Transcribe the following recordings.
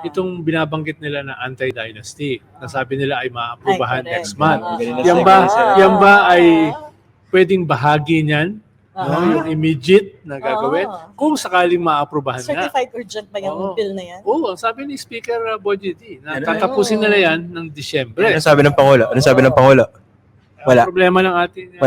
itong binabanggit nila na anti-dynasty, na sabi nila ay maaprubahan correct. next month. Oo. Yan ba ay pwedeng bahagi niyan? No, yung immediate na gagawin kung sakaling maaprubahan nga. Certified urgent ba yung bill na yan? Oo, ang sabi ni Speaker Boy D, na tatapusin nila yan ng Disyembre. Ano sabi ng Pangulo? Wala. Ang problema ng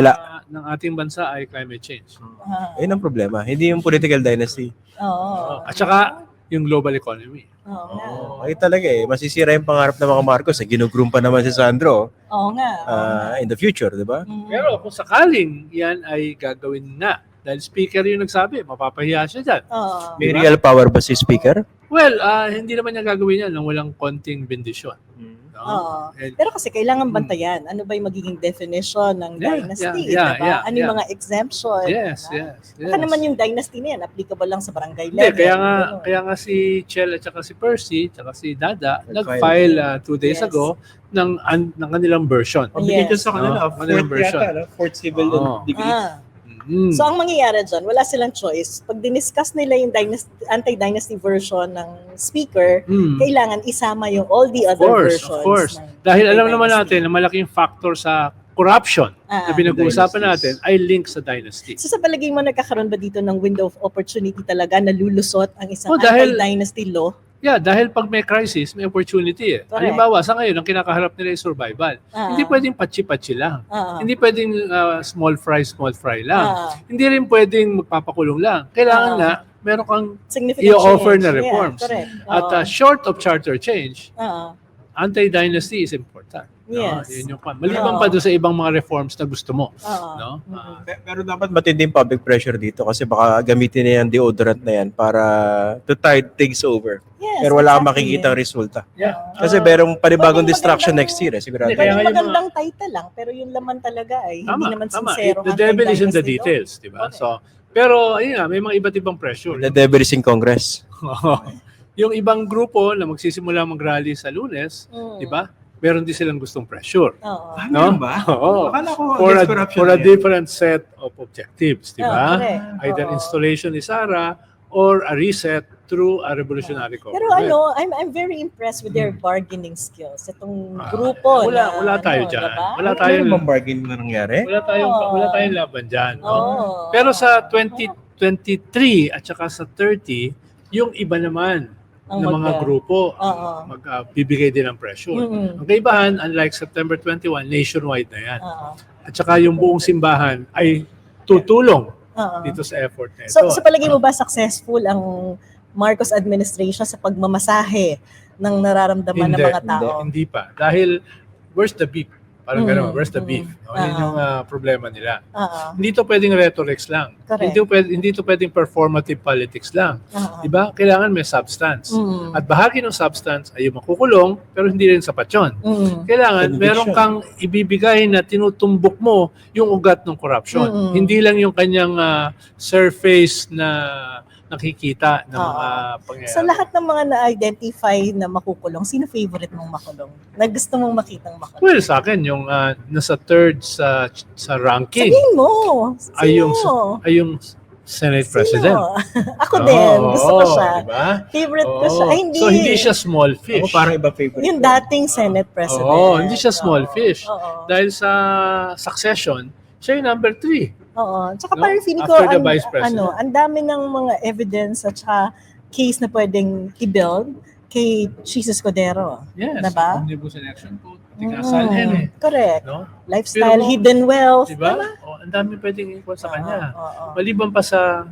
ating bansa ay climate change. Ayun ang problema. Hindi yung political dynasty. At saka yung global economy. Ay talaga masisira yung pangarap ng mga Marcos. Ginugroom pa naman si Sandro. In the future, di ba? Pero kung sakaling yan ay gagawin nga, dahil speaker yung nagsabi, mapapahiya siya dyan. May real power ba si speaker? Well, hindi naman niya gagawin yan nang walang konting bendisyon. Pero kasi kailangan bantayan. Ano ba yung magiging definition ng dynasty? Diba? Ano yung mga exemption? Yes. Baka naman yung dynasty na yan, applicable lang sa barangay level. Hindi, kaya nga si Chel at saka si Percy at saka si Dada nag-file 2 days ago ng kanilang version. Bigyan dyan sa kanila. Kanilang version. Fourth civil degree. So, ang mangyayari dyan, wala silang choice. Pag diniscuss nila yung anti-dynasty version ng speaker, kailangan isama yung all the other versions. Of course. Dahil alam naman natin na malaking factor sa corruption na pinag-uusapan natin ay link sa dynasty. So, sa palagay mo, nagkakaroon ba dito ng window of opportunity talaga na lulusot ang isang anti-dynasty law? Yeah, dahil pag may crisis, may opportunity Halimbawa, sa ngayon, ang kinakaharap nila ay survival. Hindi pwedeng patsi-patsi lang. Hindi pwedeng small fry lang. Hindi rin pwedeng magpapakulong lang. Kailangan nga, meron kang i-offer na reforms. At short of charter change, anti-dynasty is important. Yes. Yun yung maliban pa doon sa ibang mga reforms na gusto mo. Pero dapat matinding public pressure dito kasi baka gamitin na yung deodorant na yan para to tide things over. Yes, pero wala kang makikita ang resulta. Kasi merong panibagong distraction next year. Sigurado. Magandang title lang, pero yung laman talaga ay hindi naman sincero. The devil is in the details, di ba? So, pero ayun nga, may mga iba't ibang pressure. The devil is in Congress. Yung ibang grupo na magsisimula mag-rally sa Lunes, di ba? Meron din silang gustong pressure. No? Ba? Oo. For a different set of objectives, di ba? Either installation ni Sara or a reset through a revolutionary government. Pero I'm very impressed with their bargaining skills. Itong grupo wala tayo dyan. Diba? Wala tayong bargain na nangyari. Wala tayong laban dyan. No? Pero sa 2023 at saka sa 30, yung iba naman ng mga grupo magbibigay din ng pressure. Ang kaibahan, unlike September 21, nationwide na yan. At saka yung buong simbahan ay tutulong dito sa effort na ito. So sa palagay mo ba successful ang Marcos administration sa pagmamasahe ng nararamdaman ng mga tao? Hindi pa. Dahil where's the beef? Parang gano'n, where's the beef? Yun yung problema nila. Hindi to pwedeng rhetorics lang. Hindi to pwedeng performative politics lang. Diba? Kailangan may substance. At bahagi ng substance ay yung makukulong, pero hindi rin sapat yun. Kailangan meron kang ibibigay na tinutumbok mo yung ugat ng corruption. Hindi lang yung kanyang surface na nakikita ng mga pangyayari. Sa lahat ng mga na-identify na makukulong, sino favorite mong makulong? Na gusto mong makitang makulong? Well, sa akin, yung nasa third sa ranking. Sabihin mo! Ay yung Senate President. Ako din. Gusto ko siya. Diba? Favorite ko siya. Ay, hindi. So, hindi siya small fish. Parang iba favorite. Yung dating Senate President. Hindi siya small fish. Dahil sa succession, siya yung number 3. Tsaka parang feeling ko, ang dami ng mga evidence at saka case na pwedeng i-build kay Jesus Cordero. Yes. Diba? Omnibus election code. Kasal yan Correct. No? Lifestyle, hidden wealth. Diba? Ang dami pwedeng ikot sa kanya. Maliban pa sa...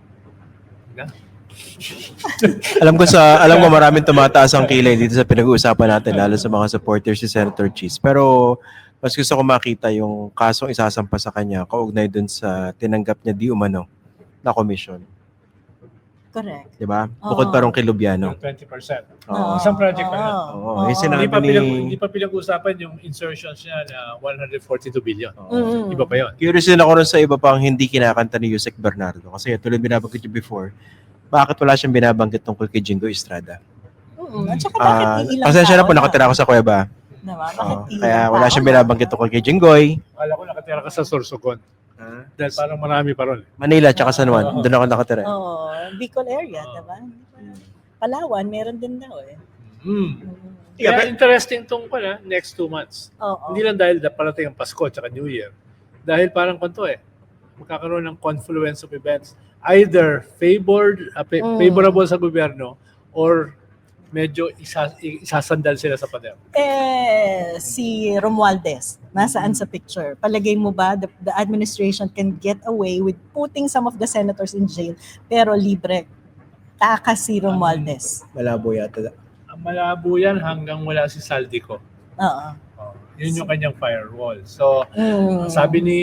alam ko maraming tumataas ang kilay dito sa pinag-uusapan natin, lalo sa mga supporters si Senator Cheese. Pero mas gusto ko makita yung kasong isasampa sa kanya kaugnay dun sa tinanggap niya di umano na komisyon. Correct. Diba? Bukod pa rong kay Lubiano. 20%. Isang project pa yan. Hindi pa pinag-usapan yung insertions niya na 142 billion. Iba pa yun. Curious din ako rin sa iba pang hindi kinakanta ni Yusek Bernardo. Kasi tulad binabanggit niyo before, bakit wala siyang binabanggit tungkol kay Jingo Estrada? At saka bakit ilang pasensya na po, nakatira ako sa Cueva. Kaya wala siyang binabanggit tungkol kay Jinggoy. Akala ko nakatira ka sa Sorsogon. Dahil parang marami pa ron. Manila tsaka San Juan. Doon ako nakatira. Bicol area, diba? Palawan, meron din daw Kaya interesting tong next 2 months. Oo. Hindi lang dahil parating ang Pasko at New Year. Dahil parang magkakaroon ng confluence of events. Either favorable sa gobyerno or medyo isasandal sila sa pader. Si Romualdez, nasaan sa picture? Palagay mo ba the administration can get away with putting some of the senators in jail pero libre takas si Romualdez? Malabo yata. Malabo yan hanggang wala si Saldico. Oo. Yun yung kanyang firewall. So, sabi ni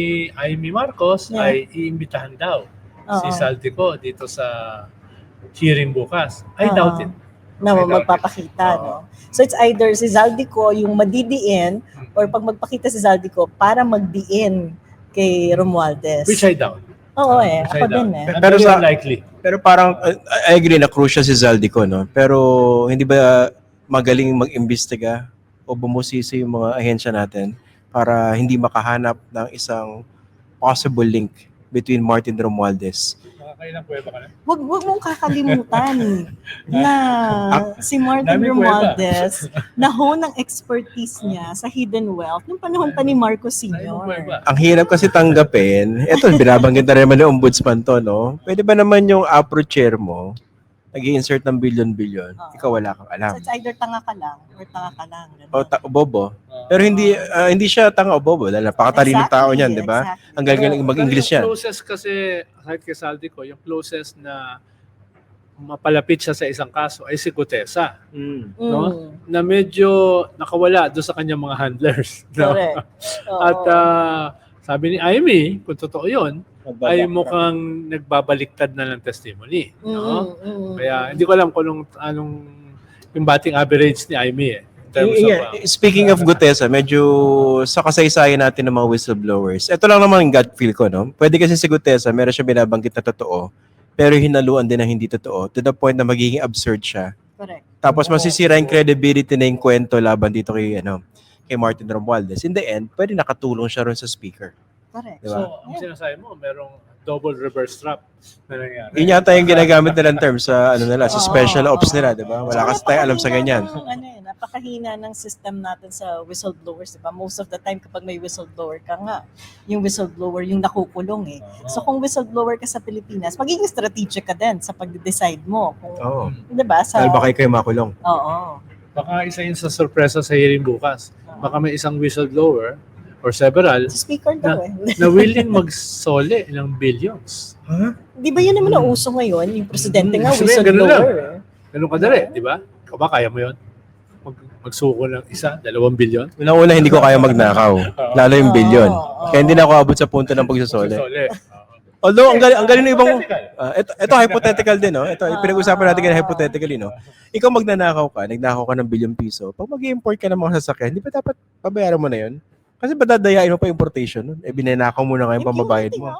Amy Marcos ay iimbitahan daw si Saldico dito sa hearing bukas. I doubt it. Na magpapakita, no? So it's either si Zaldico yung madidiin or pag magpakita si Zaldico para magdiin kay Romualdez. Which I doubt. Oo ako din Pero likely. Pero parang, I agree na crucial si Zaldico, no? Pero hindi ba magaling mag-imbestiga o bumusisi yung mga ahensya natin para hindi makahanap ng isang possible link between Martin Romualdez? Kailang pweba ka na? Wag mong kakalimutan na si Martin Romualdez nahon ng expertise niya sa hidden wealth nung panahon pa ni Marcos Sr. Ang hirap kasi tanggapin. Ito, binabanggit na rin naman ng ombudsman to, no? Pwede ba naman yung APRO chair mo, nag-i-insert ng billion-billion, ikaw wala kang alam. So it's either tanga ka lang or tanga ka lang. O bobo. Pero hindi siya tanga o bobo dahil napakatalinong tao niyan, di ba? Ang galing mag-English yan. Yung closest kasi, kahit kay Saldico, yung closest na mapalapit siya sa isang kaso ay si Gutesa. No? Na medyo nakawala doon sa kanyang mga handlers. No? Correct. At sabi ni Amy, kung totoo yun, ay mukhang nagbabaliktad na ng testimony. No? Kaya hindi ko alam kung anong yung batting average ni Amy Speaking of Gutesa, medyo sa kasaysayan natin ng mga whistleblowers, ito lang naman yung gut feel ko, no? Pwede kasi si Gutesa, meron siya binabanggit na totoo, pero hinaluan din na hindi totoo to the point na magiging absurd siya. Correct. Tapos masisira yung credibility na yung kwento laban dito kay Martin Romualdez. In the end, pwede nakatulong siya ron sa speaker. Correct. Diba? So, ang sinasabi mo, merong double reverse trap na nangyari. Yun yata yung ginagamit nilang term sa sa special ops nila, di ba? Wala kasi tayo alam sa ganyan. Napakahina ng system natin sa whistleblowers, di ba? Most of the time kapag may whistleblower ka nga, yung whistleblower yung nakukulong So kung whistleblower ka sa Pilipinas, magiging strategic ka din sa pag-decide mo. Di ba? Dahil baka kayo makulong. Oo. Baka isa yun sa sorpresa sa hearing bukas. Baka may isang whistleblower or several speaker daw na willing magsole ng billions. Di ba yun naman ang uso ngayon? Yung presidente nga, whistleblower. Ganun kadali, di ba? Ikaw ba, kaya mo yun? Magsuko ng 1-2 bilyon? Unang-una, hindi ko kaya magnakaw. Lalo yung bilyon. Kaya hindi na ako abot sa punto ng pagsasole. Although, ang galing ng ibang... ito hypothetical din, no? Ito, pinag-usapan natin kaya hypothetically, no? Ikaw magnanakaw ka, nagnakaw ka ng bilyong piso. Pag mag-import ka ng mga sasakyan, di ba dapat pabayaran mo na yun? Kasi ba dadayain mo pa importation nun? Binanakaw mo na ngayon pamabayad mo.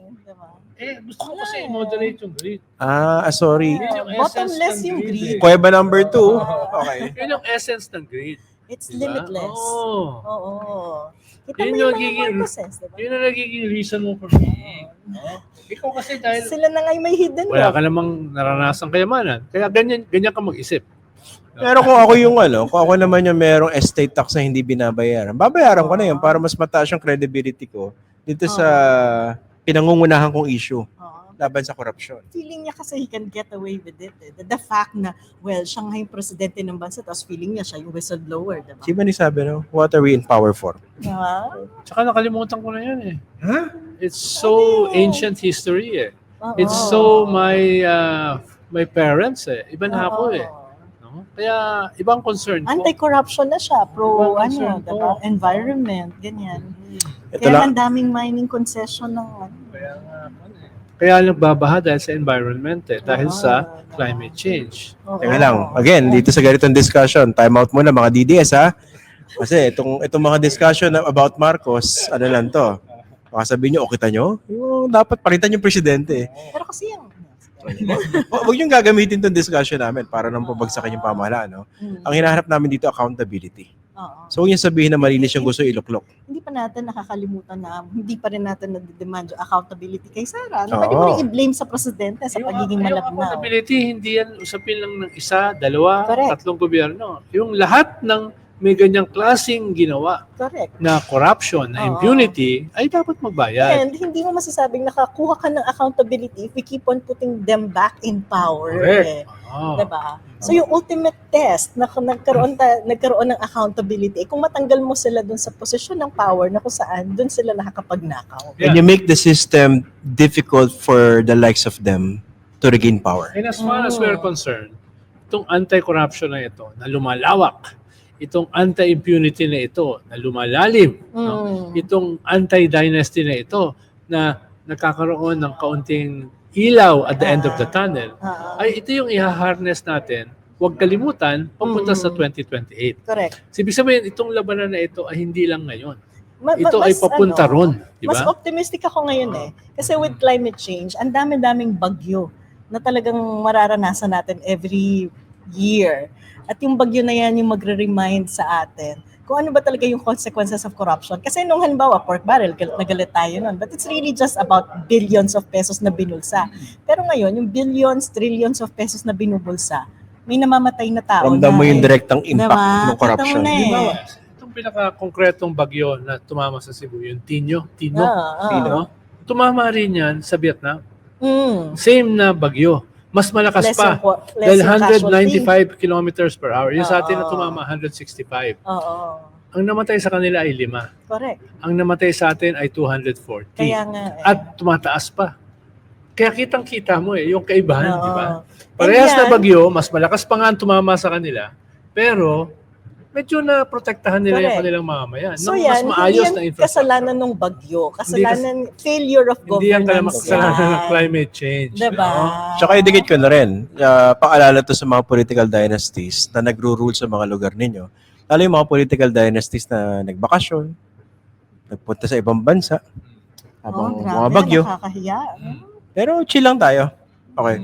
Gusto ko kasi moderate yung greed. Sorry. Bottomless yung greed. Kuweba number 2. Okay. Yun yung essence ng greed. It's limitless. Oo. Kita Yun mo yung mga Marcoses, diba? Yun ang nagiging reason mo for being. Ikaw kasi dahil sila na nga may hidden wala ka namang naranasang kayamanan. Kaya ganyan ka mag-isip. Pero kung ako kung ako naman yung merong estate tax na hindi binabayaran, babayaran ko na yun para mas mataas yung credibility ko dito sa pinangungunahan kong issue laban sa korupsyon. Feeling niya kasi he can get away with it. The fact na, siya nga yung presidente ng bansa, tapos feeling niya siya yung whistleblower, diba? Siba ni sabi, no? What are we in power for? Tsaka nakalimutan ko na yan It's so ancient history It's so my parents Iba na ako No? Kaya ibang concern ko. Anti-corruption na siya, diba? Environment, ganyan. Ito Kaya ang daming mining concession ng Kaya nagbabaha dahil sa environment dahil sa climate change. Teka lang, again, dito sa ganitong discussion, time out muna mga DDS Kasi itong mga discussion about Marcos, lang to. Baka sabihin nyo, kita nyo? Yung dapat palitan yung presidente. Pero kasi yung Huwag yung gagamitin itong discussion namin para nang pabagsakin yung pamahalaan. No? Ang hinahanap namin dito, accountability. Oo. So, huwag niya sabihin na malinis yung gusto iluklok. Hindi pa natin nakakalimutan na hindi pa rin natin nade-demand yung accountability kay Sara. Oo. Pwede mo rin i-blame sa presidente sa pagiging Yung malabnaw. accountability, hindi yan usapin lang ng isa, dalawa, Correct. 3 gobyerno. Yung lahat ng may ganyang klaseng ginawa Correct. na corruption, na Oo. impunity, ay dapat magbayad. And hindi mo masasabing nakakuha ka ng accountability if we keep on putting them back in power. Correct. Diba? So yung ultimate test na nagkaroon ng accountability, kung matanggal mo sila dun sa posisyon ng power na kung saan dun sila nakakapagnakaw. And you make the system difficult for the likes of them to regain power. And as far as we're concerned, itong anti-corruption na ito, na lumalawak, itong anti-impunity na ito, na lumalalim, no? Itong anti-dynasty na ito, na nakakaroon ng kaunting ilaw at the end of the tunnel, ay ito yung iha-harness natin. Huwag kalimutan, papunta sa 2028. Correct. Ibig sabihin, itong labanan na ito ay hindi lang ngayon. Ito ay papunta ron. Di Mas ba? optimistic ako ngayon Kasi with climate change, ang dami-daming bagyo na talagang mararanasan natin every year. At yung bagyo na yan yung magre-remind sa atin kung ano ba talaga yung consequences of corruption. Kasi nung halimbawa, pork barrel, nagalit tayo nun. But it's really just about billions of pesos na binulsa. Pero ngayon, yung billions, trillions of pesos na binubulsa, may namamatay na tao Ramdam na. mo yung direktang impact Diba? ng corruption. Kita mo na Di ba? Itong pinaka-konkretong bagyo na tumama sa Cebu, yung Tino, no? Tumama rin yan sa Vietnam. Same na bagyo. Mas malakas pa. Dahil 195 kilometers per hour. Yung sa atin na tumama, 165. Oo. Ang namatay sa kanila ay 5. Correct. Ang namatay sa atin ay 240. Kaya nga At tumataas pa. Kaya kitang-kita mo yung kaibahan, Oo. di ba? Parehas And na yan- bagyo, mas malakas pa nga ang tumama sa kanila, pero medyo na protektahan nila yung Correct. kanilang mamamayan. So Nung yan, mas maayos hindi na yan infrastructure. kasalanan ng bagyo. Kasalanan, failure of Hindi yan governance. kasalanan ng yan. climate change. Diba? no? Tsaka idikit ko na rin, paalala to sa mga political dynasties na nagro-rule sa mga lugar ninyo. Lalo yung mga political dynasties na nagbakasyon, nagpunta sa ibang bansa, habang grabe, mga bagyo. Nakakahiya. Pero chill lang tayo. Okay.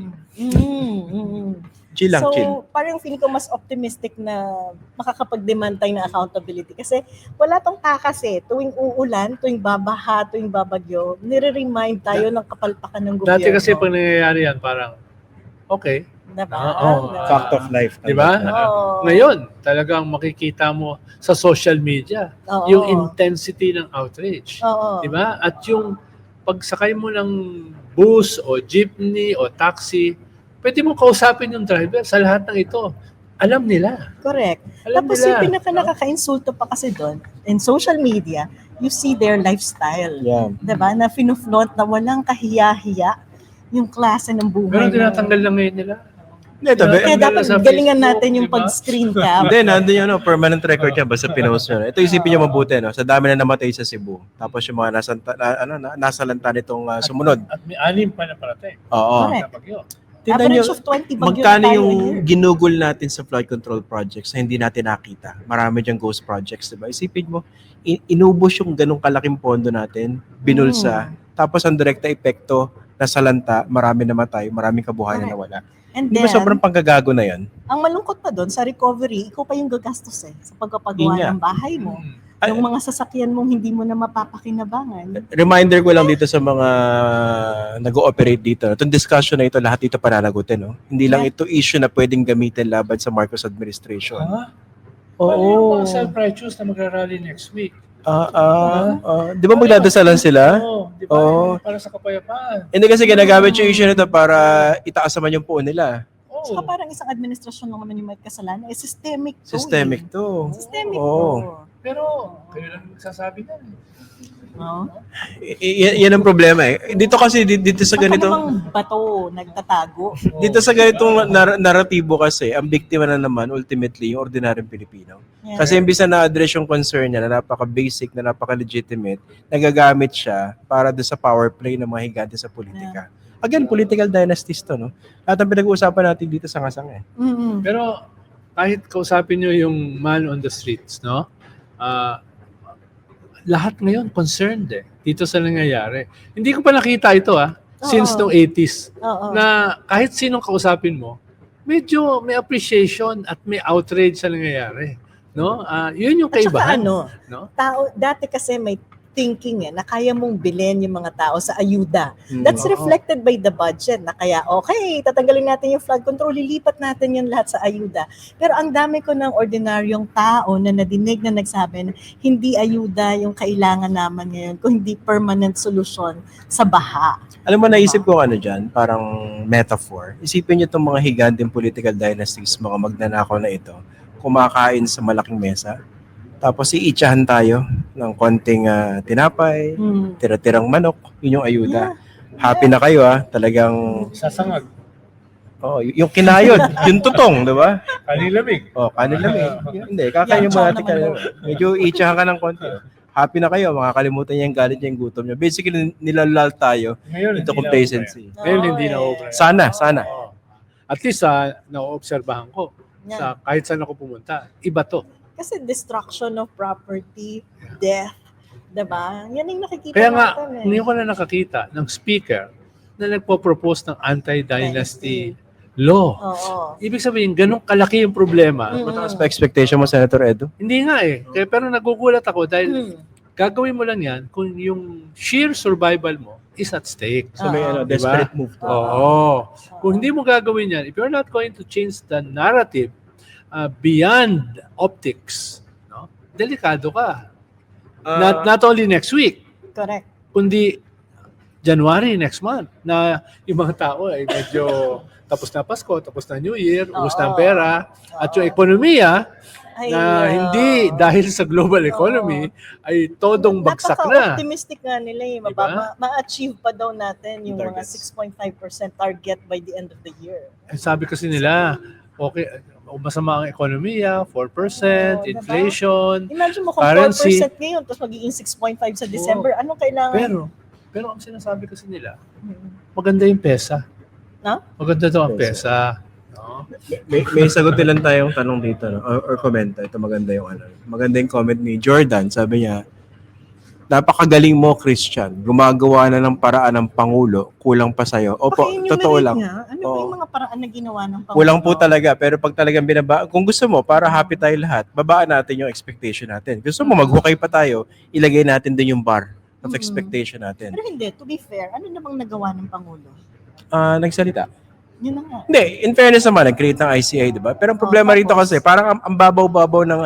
Chill lang, so, chill. parang feeling ko mas optimistic na makakapag-demand tayo ng accountability. Kasi wala tong takas tuwing uulan, tuwing babaha, tuwing babagyo, nire-remind tayo ng kapalpakan ng gobyerno. Dati kasi pag nangyayari yan, parang, okay. Diba? Oo. Diba? Fact of life. Di ba? Oo. Ngayon, talagang makikita mo sa social media Oo. yung intensity ng outrage. Oo. Di ba? At yung pagsakay mo ng bus o jeepney o taxi, pwede mo kausapin yung driver sa lahat ng ito. Alam nila. Correct. Alam Tapos nila. yung pinaka-nakaka-insulto pa kasi doon, in social media, you see their lifestyle. Yeah. Diba? Na fino-flaunt na walang kahiya-hiya yung klase ng buhay. Pero na- tinatanggal lang ngayon nila. Hindi, tabi. Kaya dapat Sa galingan Facebook, natin yung diba? pag-screen cap. Hindi, nandun yung permanent record yan, basta pinost nyo. Ito isipin nyo mabuti, no? Sa dami na namatay sa Cebu. Tapos yung mga nasalanta nitong sumunod. At may 6 pa na parating. Oo. Correct. Na bagyo. Tingnan Average nyo, of 20 bagyo magkano na tayo yung a year. ginugol natin sa flood control projects na hindi natin nakita. Marami diyang ghost projects, diba? Isipin mo, inubos yung ganong kalaking pondo natin, binulsa, tapos ang direkta epekto, nasalanta, marami namatay, maraming kabuhayan na wala. And Di ba then, sobrang panggagago na yan? ang malungkot pa doon, sa recovery, ikaw pa yung gagastos sa pagpapagawa Yun nga. ng bahay mo. Ay- Yung mga sasakyan mong hindi mo na mapapakinabangan. Reminder ko lang dito sa mga nag-ooperate dito. Itong discussion na ito, lahat dito pananagutin. No? Hindi lang ito issue na pwedeng gamitin laban sa Marcos administration. Paano yung mga self-righteous na magrarally next week? Di ba magdadasalan sila? Oo. Di ba? Oo. Para sa kapayapaan. Hindi kasi ginagamit yung issue nito para itaas naman yung puon nila. Oo. Saka parang isang administrasyon lang naman yung may kasalanan. Systemic to. Systemic to. Systemic Oo. to. Pero, kayo lang magsasabi na. No? Yan ang problema eh. Dito kasi, dito sa Baka ganito, namang bato nagtatago. dito sa ganitong naratibo kasi, ang biktima na naman ultimately yung ordinaryong Pilipino. Yan. Kasi imbis na na-address yung concern niya na napaka-basic, na napaka-legitimate, nagagamit siya para doon sa power play ng mga higante sa politika. Again, political dynasties to, no? At ang pinag-uusapan natin dito sa ngasang eh. Mm-mm. Pero, kahit kausapin nyo yung man on the streets, no? Lahat ngayon concerned dito sa nangyayari. Hindi ko pa nakita ito since Oo. noong 80s Oo. na kahit sinong kausapin mo, medyo may appreciation at may outrage sa nangyayari. No? Yun yung At saka kaibahan. ano, No? tao, dati kasi may thinking na kaya mong bilhin yung mga tao sa ayuda. That's Oo. reflected by the budget na kaya okay, tatanggalin natin yung flood control, lilipat natin yan lahat sa ayuda. Pero ang dami ko ng ordinaryong tao na nadinig na nagsabi na hindi ayuda yung kailangan naman ngayon kung hindi permanent solution sa baha. Alam mo, naisip ko ano dyan, parang metaphor. Isipin niyo itong mga higanteng political dynasties, mga magnanakaw na ito, kumakain sa malaking mesa. Tapos iitsahan tayo ng konting tinapay, tira-tirang manok, yun yung ayuda. Happy na kayo talagang Sasangag. yung kinayod, yung tutong, 'di ba? Kanilamig. Kanilamig. Hindi, kakain mo natin kanilamig. Medyo iitsahan ka ng konti. Happy na kayo, makakalimutan niya yung galit niya, yung gutom niya. Basically, nilalal tayo Ngayon, into hindi complacency. Ngayon, hindi na over. Sana. Oo. At least, na-obserbahan ko. Yeah. Kahit saan ako pumunta, iba to. Kasi destruction of property, death, diba? Yan yung nakikita Kaya nga, natin hindi ko na nakakita ng speaker na nagpo-propose ng anti-dynasty law. Oo. Ibig sabihin, ganun kalaki yung problema. Mataas pa expectation mo, Senator Edo? Hindi nga pero nagugulat ako dahil gagawin mo lang yan kung yung sheer survival mo is at stake. So may Oo. desperate move to. Oo. Kung hindi mo gagawin yan, if you're not going to change the narrative beyond optics, no? Delikado ka. Not only next week, Correct. kundi January next month na yung mga tao ay medyo tapos na Pasko, tapos na New Year, ubos na ang pera, at yung ekonomiya Ay, na hindi dahil sa global economy ay todong bagsak na. Napaka-optimistic nga nila Diba? Ma-achieve pa daw natin yung mga Targets. 6.5% target by the end of the year. Sabi kasi nila, okay, masama ang ekonomiya, 4%, diba? inflation, Imagine mo kung currency. 4% ngayon, tapos magiging 6.5 sa December, anong kailangan? Pero ang sinasabi kasi nila, maganda yung pesa. No? Maganda daw ang pesa. No? May sagutin lang tayong tanong dito, no? Or comment. Ito maganda yung maganda yung comment ni Jordan. Sabi niya, napakagaling mo, Christian. Gumagawa na ng paraan ng Pangulo. Kulang pa sa'yo. Opo, totoo lang. Nga. Ano ba yung mga paraan na ginawa ng Pangulo? Kulang po talaga. Pero pag talagang kung gusto mo, para happy tayo lahat, babaan natin yung expectation natin. Gusto mo, maghukay pa tayo, ilagay natin din yung bar of expectation natin. Pero hindi, to be fair, ano namang nagawa ng Pangulo? Nagsalita. Yun na nga. Hindi, in fairness naman, nag-create ng ICI, di ba? Pero ang problema rito kasi, parang ang babaw-babaw ng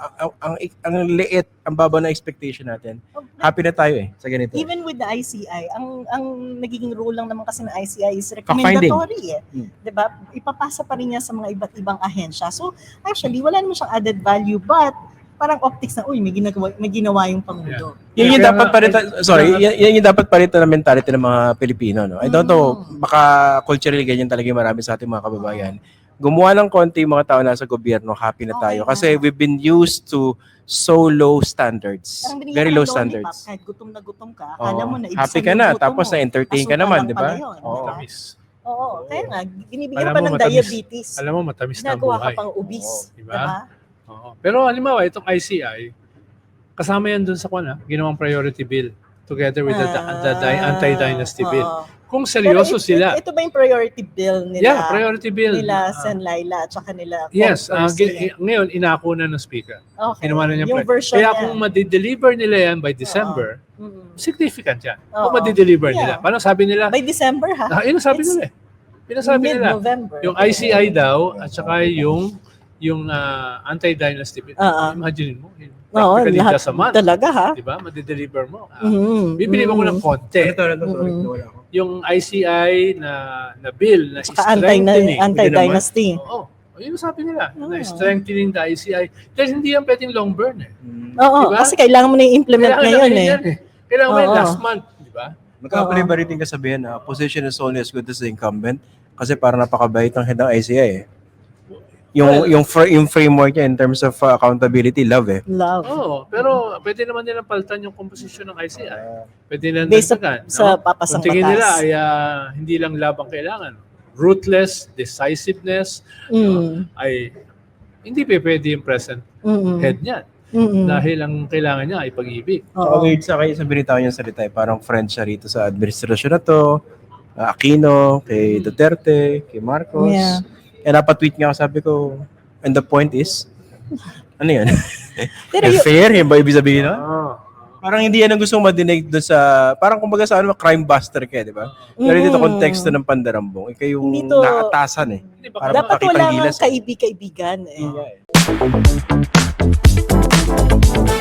ang liit, ang babaw na expectation natin. Happy na tayo sa ganito. Even with the ICI, ang nagiging rule lang naman kasi ng ICI is recommendatory. Diba? Ipapasa pa rin niya sa mga iba't ibang ahensya. So, actually, wala naman siyang added value, but parang optics na, may ginawa yung Pangulo. Yan yung dapat parita, yan yung dapat parita na mentality ng mga Pilipino, no? I don't know, baka culturally ganyan talaga yung marami sa ating mga kababayan. Gumawa ng konti yung mga tao nasa gobyerno, happy na tayo. Kasi we've been used to so low standards. Very low standards. Kahit gutom na gutom ka, akala mo na happy ka na, tapos na-entertain ka naman, di ba? Matamis. Oo, kaya nga, binibigyan pa ng diabetes. Alam mo, matamis na Ginagawa buhay. ka pang obese. Diba? Oo. Pero halimbawa, itong ICI, kasama yan dun sa ginawang priority bill together with the anti-dynasty bill. Kung seryoso sila. Ito ba yung priority bill nila? Yeah, priority bill. Nila Sen Laila at saka nila. Yes, ngayon inako na ng speaker. Okay. Ginawa na niya yung version kaya niya. kung ma-deliver nila yan by December, significant yan. Kung Oo. ma-deliver nila. Parang sabi nila, By December, ha? yun ang sabi nila eh. Pinasabi nila. Mid-November. Yung ICI daw at saka yung anti-dynasty bill. Imagine mo, practically lahat just a month. talaga, ha? Diba? Madideliver mo. Bibili Bibili mo ng konti. Yung ICI na bill na Saka strengthening. anti-dynasty. Oo. Yun ang sabi nila. Na strengthening the ICI. Dahil hindi yan pwedeng long burn eh. Oo, Diba? kasi kailangan mo na i-implement ngayon eh. Kailangan mo yan last month. Diba? Magkakaliba rin din kasabihan na position is only as good as the incumbent kasi parang napakabait ng head ng ICI eh. Yung framework niya in terms of accountability, love eh. Love. Oo, pero pwede naman nilang palitan yung composition ng ICI. Pwede nilang Based dagdagan. sa papasang Kung tingin batas. nila ay hindi lang labang kailangan. Ruthless, decisiveness, ay hindi pwede yung present head niya. Dahil ang kailangan niya ay pag-ibig. Okay, sa kayo sa binitaw niyang salita eh, parang friend siya rito sa administrasyon na to, Aquino, kay Duterte, kay Marcos. Yeah. And napatweet nga ako, sabi ko, and the point is, Ano yan? Pero yung, Fair? Yan ba ibig sabihin nun? Oo. Parang hindi yan ang gusto kong madinig doon sa, parang kumbaga sa ano, crime buster ka, di ba? Pero dito konteksto ng pandarambong, ikaw yung Hindi to- naatasan eh. Para dapat makakitang wala gilas, nga kaibigan eh. eh.